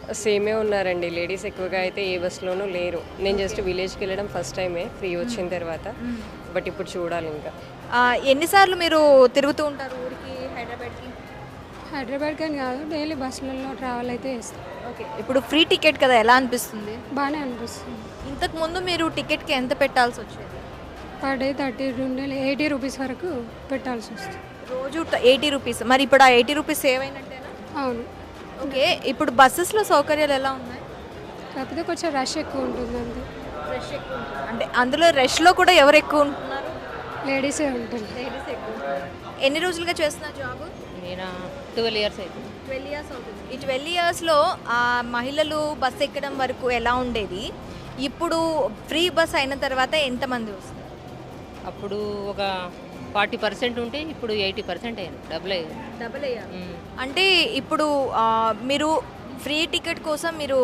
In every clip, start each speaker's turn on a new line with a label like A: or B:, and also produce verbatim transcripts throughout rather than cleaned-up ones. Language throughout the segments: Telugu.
A: సేమే ఉన్నారండి. లేడీస్ ఎక్కువగా అయితే ఏ బస్‌లోనూ లేరు. నేను జస్ట్ విలేజ్‌కి వెళ్ళడం ఫస్ట్ టైమే ఫ్రీ వచ్చిన తర్వాత. బట్ ఇప్పుడు చూడాలి ఇంకా.
B: ఆ, ఎన్నిసార్లు మీరు తిరుగుతూ ఉంటారు ఊరికి హైదరాబాద్కి?
C: హైదరాబాద్ కానీ కాదు, డైలీ బస్సులలో ట్రావెల్ అయితే చేస్తాం.
B: ఓకే, ఇప్పుడు ఫ్రీ టికెట్ కదా, ఎలా అనిపిస్తుంది?
C: బాగానే అనిపిస్తుంది.
B: ఇంతకు ముందు మీరు టికెట్కి ఎంత పెట్టాల్సి వచ్చేది?
C: పర్ డే థర్టీ నుండి ఎయిటీ రూపీస్ వరకు పెట్టాల్సి వస్తుంది.
B: రోజు ఎయిటీ రూపీస్. మరి ఇప్పుడు ఆ ఎయిటీ రూపీస్ సేవ్ అయినట్టేనా?
C: అవును,
B: ఓకే, ఇప్పుడు బస్సెస్లో సౌకర్యాలు ఎలా ఉన్నాయి?
C: కాకపోతే కొంచెం రష్ ఎక్కువ ఉంటుంది అంతే.
B: రష్ ఎక్కువ ఉంటుంది. అంటే అందులో రష్లో కూడా ఎవరు ఎక్కువ ఉంటున్నారు?
C: లేడీసే ఉంటుంది.
B: లేడీస్ ఎక్కువ ఉంటున్నారు. ఎన్ని రోజులుగా చేస్తున్నారు జాబ్?
D: నేను ట్వెల్వ్ ఇయర్స్ అవుతుంది.
B: ట్వెల్వ్ ఇయర్స్ అవుతుంది. ఈ ట్వెల్వ్ ఇయర్స్లో మహిళలు బస్ ఎక్కడం వరకు ఎలా ఉండేది? ఇప్పుడు ఫ్రీ బస్ అయిన తర్వాత ఎంతమంది వస్తారు?
D: అప్పుడు ఒక ఫార్టీ పర్సెంట్ ఉంటే ఇప్పుడు ఎయిటీ పర్సెంట్ అయ్యాను, డబుల్ అయ్యాను.
B: డబుల్ అయ్యారు. అంటే ఇప్పుడు ఆ, మీరు ఫ్రీ టికెట్ కోసం మీరు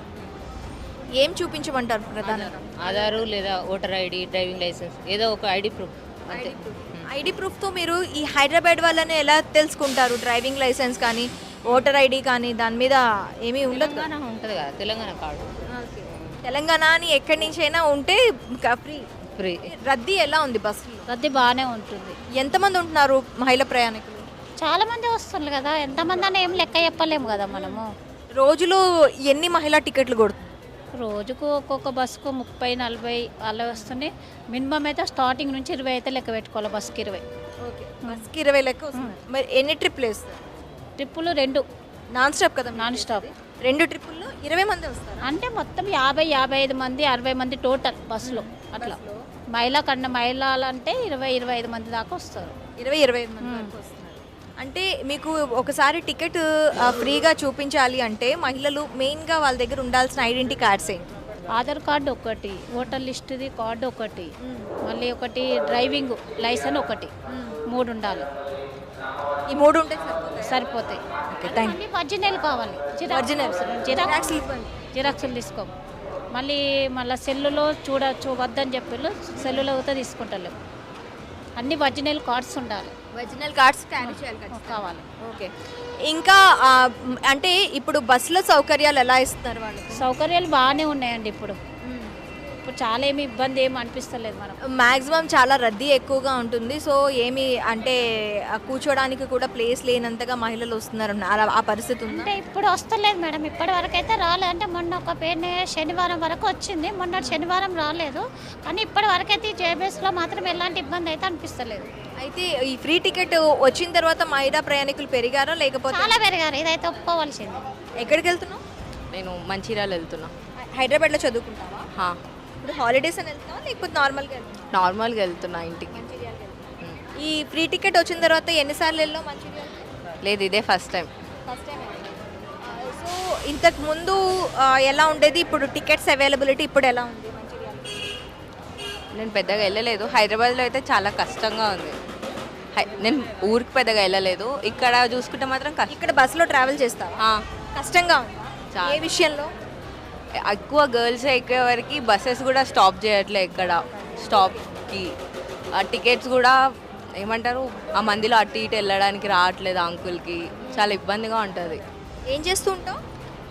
B: ఏం చూపించమంటారు ప్రధానంగా?
D: ఆధారు లేదా ఓటర్ ఐడి, డ్రైవింగ్ లైసెన్స్, ఏదో ఒక ఐడి ప్రూఫ్ అంతే.
B: ఐడి ప్రూఫ్తో మీరు ఈ హైదరాబాద్ వాళ్ళని ఎలా తెలుసుకుంటారు? డ్రైవింగ్ లైసెన్స్ కానీ ఓటర్ ఐడి కానీ దాని మీద ఏమీ ఉండదు కదా?
D: తెలంగాణ ఉంటుంది కదా, తెలంగాణ కార్డు
B: తెలంగాణ అని ఎక్కడి నుంచైనా ఉంటే ఫ్రీ.
D: ఫ్రీ.
B: రద్దీ ఎలా ఉంది బస్సులో?
E: రద్దీ బాగానే ఉంటుంది.
B: ఎంతమంది ఉంటున్నారు మహిళా ప్రయాణికులు?
E: చాలా మంది వస్తున్నారు కదా, ఎంతమంది అని ఏం లెక్క చెప్పలేము కదా మనము.
B: రోజులో ఎన్ని మహిళా టికెట్లు కొడుతుంది?
E: రోజుకు ఒక్కొక్క బస్సుకు ముప్పై నలభై అలా వస్తున్నాయి. మినిమం అయితే స్టార్టింగ్ నుంచి ఇరవై అయితే లెక్క పెట్టుకోవాలి, బస్సుకి ఇరవై.
B: ఓకే, బస్కి ఇరవై లెక్క వస్తుంది. మరి ఎన్ని ట్రిప్లు వేస్తారు?
E: ట్రిప్పులు రెండు,
B: నాన్ స్టాప్ కదా?
E: Non stop.
B: రెండు ట్రిప్పుల్లో ఇరవై మంది వస్తారు.
E: అంటే మొత్తం యాభై యాభై ఐదు మంది అరవై మంది టోటల్ బస్సులో అట్లా. మహిళా కన్నా మహిళలు అంటే ఇరవై ఇరవై ఐదు మంది దాకా వస్తారు.
B: ఇరవై ఇరవై ఐదు మంది వరకు వస్తున్నారు. అంటే మీకు ఒకసారి టికెట్ ఆ, ఫ్రీగా చూపించాలి అంటే మహిళలు మెయిన్గా వాళ్ళ దగ్గర ఉండాల్సిన ఐడెంటిటీ కార్డ్స్ ఏంటి?
E: ఆధార్ కార్డు ఒకటి, ఓటర్ లిస్టుది కార్డు ఒకటి, మళ్ళీ ఒకటి డ్రైవింగ్ లైసెన్స్ ఒకటి, మూడు ఉండాలి.
B: ఈ మూడు ఉంటే సరిపోతాయి.
E: సరిపోతాయి.
B: ఓకే, థ్యాంక్
E: మళ్ళీ ఒరిజినల్ కావాలి,
B: ఒరిజినల్
E: జిరాక్స్
B: ఇవ్వండి.
E: జిరాక్సులు తీసుకో. మళ్ళీ మళ్ళీ సెల్లులో చూడచ్చు వద్దని చెప్పి సెల్లులో అయితే తీసుకుంటలేము. అన్ని ఒరిజినల్ కార్డ్స్ ఉండాలి,
B: ఒరిజినల్ కార్డ్స్ క్యారీ చేయాలి ఖచ్చితంగా.
E: కావాలి.
B: ఓకే, ఇంకా ఆ, మ్, అంటే ఇప్పుడు బస్సులో సౌకర్యాలు ఎలా ఇస్తున్నారు వాళ్ళు?
E: సౌకర్యాలు బాగానే ఉన్నాయండి ఇప్పుడు. ఇప్పుడు చాలా ఏమి ఇబ్బంది ఏమి అనిపిస్తలేదు మనకు.
B: మ్యాక్సిమం చాలా రద్దీ ఎక్కువగా ఉంటుంది. సో ఏమి అంటే ఆ, కూర్చోడానికి కూడా ప్లేస్ లేనంతగా మహిళలు వస్తున్నారు అలా ఆ పరిస్థితి ఉందా?
E: అంటే ఇప్పుడు వస్తలేదు మేడం, ఇప్పటి వరకు అయితే రాలేదు. అంటే మొన్న ఒక పేరు శనివారం వరకు వచ్చింది, మొన్న శనివారం రాలేదు. కానీ ఇప్పటి వరకు అయితే జేబీఎస్లో మాత్రం ఎలాంటి ఇబ్బంది అయితే అనిపిస్తలేదు.
B: అయితే ఈ ఫ్రీ టికెట్ వచ్చిన తర్వాత మహిళా ప్రయాణికులు పెరిగారా లేకపోతే?
E: చాలా పెరిగారు, ఇదైతే ఒప్పుకోవాల్సింది.
B: ఎక్కడికి వెళ్తున్నావు?
F: నేను మంచిర్యాల వెళ్తున్నా.
B: హైదరాబాద్లో చదువుకుంటావా?
F: హా,
B: ఇప్పుడు హాలిడేస్ అని వెళ్తావా లేకపోతే నార్మల్గా వెళ్తావా?
F: నార్మల్గా వెళ్తున్నా ఇంటికి.
B: మంచిర్యాలకి వెళ్తావా? ఈ ఫ్రీ టికెట్ వచ్చిన తర్వాత ఎన్నిసార్లు వెళ్ళావు మంచిర్యాల?
F: లేదు, ఇదే first time.
B: First time. So ఇంతకు ముందు ఆ, ఎలా ఉండేది? ఇప్పుడు టికెట్స్ అవైలబిలిటీ ఇప్పుడు ఎలా ఉంది మంచిర్యాల?
F: నేను పెద్దగా వెళ్ళలేదు. హైదరాబాద్లో అయితే చాలా కష్టంగా ఉంది. హై నేను ఊరికి పెద్దగా వెళ్ళలేదు. ఇక్కడ చూసుకుంటే మాత్రం కష్టం.
B: ఇక్కడ బస్సులో ట్రావెల్ చేస్తావా?
F: ఆ,
B: కష్టంగా ఉందా?
F: చాలా.
B: ఏ విషయంలో?
F: ఎక్కువ గర్ల్స్ ఎక్కే వరకు బస్సెస్ కూడా స్టాప్ చేయట్లే ఇక్కడ స్టాప్కి. ఆ టికెట్స్ కూడా ఏమంటారు, ఆ మందిలో అటు ఇటు వెళ్ళడానికి రావట్లేదు అంకుల్కి. చాలా ఇబ్బందిగా ఉంటుంది.
B: ఏం చేస్తూ ఉంటావు?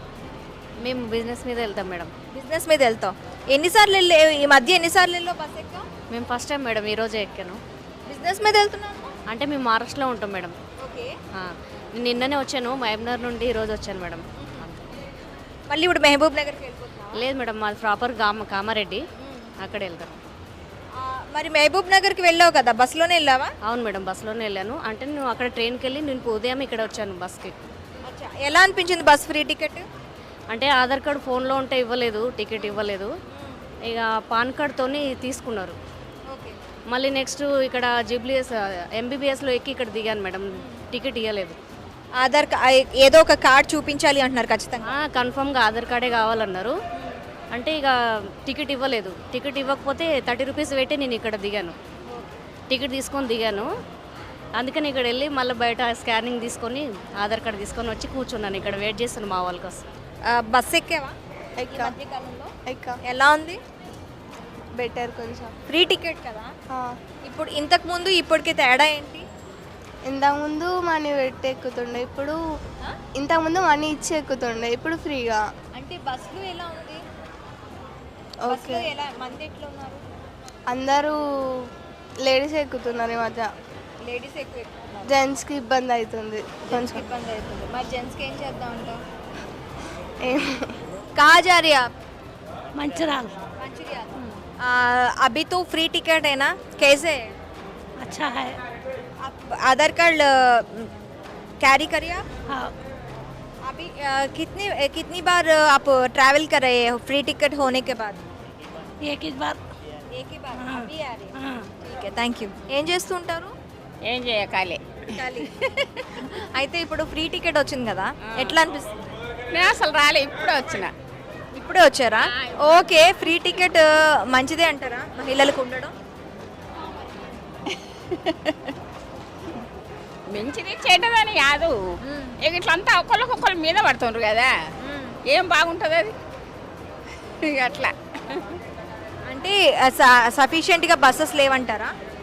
G: మేము బిజినెస్ మీద వెళ్తాం మేడం.
B: బిజినెస్ మీద వెళ్తావు. ఎన్నిసార్లు వెళ్ళే ఈ మధ్య ఎన్నిసార్లు వెళ్ళావు బస్ ఎక్కా?
G: మేము ఫస్ట్ టైం మేడం ఈరోజే ఎక్కాను.
B: బిజినెస్ మీద వెళ్తున్నాను.
G: అంటే మేము మహారాష్ట్రలో ఉంటాం మేడం.
B: ఓకే,
G: ఆ, నేను నిన్ననే వచ్చాను, మహబూబ్నగర్ నుండి ఈరోజు వచ్చాను మేడం.
B: మళ్ళీ ఇప్పుడు మహబూబ్ నగర్కి వెళ్ళిపోతున్నావా?
G: లేదు మేడం, మాది ప్రాపర్ కామ కామారెడ్డి, అక్కడే వెళ్తాను.
B: ఆ, మరి మహబూబ్ నగర్కి వెళ్ళావు కదా, బస్సులోనే వెళ్ళావా?
G: అవును మేడం, బస్సులోనే వెళ్ళాను. అంటే నేను అక్కడ ట్రైన్కి వెళ్ళి నేను ఉదయం ఇక్కడ వచ్చాను బస్కి.
B: అచ్చా, ఎలా అనిపించింది బస్ ఫ్రీ టికెట్?
G: అంటే ఆధార్ కార్డు ఫోన్లో ఉంటే ఇవ్వలేదు, టికెట్ ఇవ్వలేదు. ఇక పాన్ కార్డ్తోని తీసుకున్నారు.
B: ఓకే,
G: మళ్ళీ నెక్స్ట్ ఇక్కడ జీబీఎస్ ఎంబీబీఎస్లో ఎక్కి ఇక్కడ దిగాను మేడం, టికెట్ ఇవ్వలేదు.
B: ఆధార్ కా- ఏదో ఒక కార్డ్ చూపించాలి అంటున్నారు ఖచ్చితంగా.
G: కన్ఫర్మ్గా ఆధార్ కార్డే కావాలన్నారు. అంటే ఇక టికెట్ ఇవ్వలేదు. టికెట్ ఇవ్వకపోతే థర్టీ రూపీస్ పెట్టి నేను ఇక్కడ దిగాను, టికెట్ తీసుకొని దిగాను. అందుకని ఇక్కడ వెళ్ళి మళ్ళీ బయట స్కానింగ్ తీసుకొని ఆధార్ కార్డు తీసుకొని వచ్చి కూర్చున్నాను ఇక్కడ, వెయిట్ చేస్తున్నాను మా వాళ్ళ కోసం.
B: ఆ, బస్ ఎక్కేవా?
H: ఎక్కా
B: మధ్యకాలంలో
H: ఎక్కా
B: ఎలా ఉంది?
H: బెటర్ కొంచెం.
B: ఫ్రీ టికెట్ కదా. ఇప్పుడు ఇంతకు ముందు ఇప్పటికి తేడా ఏంటి?
H: ఇంతకుముందు మనీ పెట్టి ఎక్కుతుండే, ఇప్పుడు ఇంతకుముందు మనీ ఇచ్చి ఎక్కుతుండే ఇప్పుడు ఫ్రీగా.
B: అంటే బస్సులు ఎలా ఉంది?
H: ఓకే,
B: బస్సులో ఎలా మంది ఎట్లా ఉన్నారు?
H: అందరూ లేడీస్ ఎక్కుతున్నారు ఈ మధ్య.
B: లేడీస్ ఎక్కువ ఎక్కుతున్నారు,
H: జెంట్స్కి ఇబ్బంది అవుతుంది కొంచెం.
B: ఇబ్బంది అవుతుంది. మరి జెంట్స్కి ఏం చేద్దాం అంటావు?
H: ఏం
B: कहाँ जा रहे हैं आप?
I: मंचराल।
B: मंचूरिया। अभी तो फ्री टिकट है ना, कैसे है?
I: अच्छा है।
B: आप आधार कार्ड कैरी करिए आप?
I: हाँ।
B: अभी अ, कितनी कितनी बार आप ट्रैवल कर रहे हैं फ्री टिकट होने के बाद?
I: एक ही बार।
B: एक ही बार
I: हाँ।
B: अभी आ रही है।
I: हाँ।
B: ठीक है, థ్యాంక్ యూ. ఏం చేస్తుంటారు?
D: ఏం చేయకాలే
B: ఖాళీ. అయితే ఇప్పుడు ఫ్రీ టికెట్ వచ్చింది కదా, ఎట్లా అనిపిస్తుంది?
D: నేను అసలు రాలే, ఇప్పుడే వచ్చిన.
B: ఇప్పుడే వచ్చారా? ఓకే, ఫ్రీ టికెట్ మంచిదే అంటారా మహిళలకు ఉండడం?
D: మంచిది చెడ్డదని కాదు, ఇక ఇట్లంతా ఒకళ్ళకొకళ్ళ మీద పడుతుండ్రు కదా, ఏం బాగుంటుంది అది ఇక అట్లా.
B: అంటే సఫిషియెంట్గా బస్సెస్ లేవంటారా?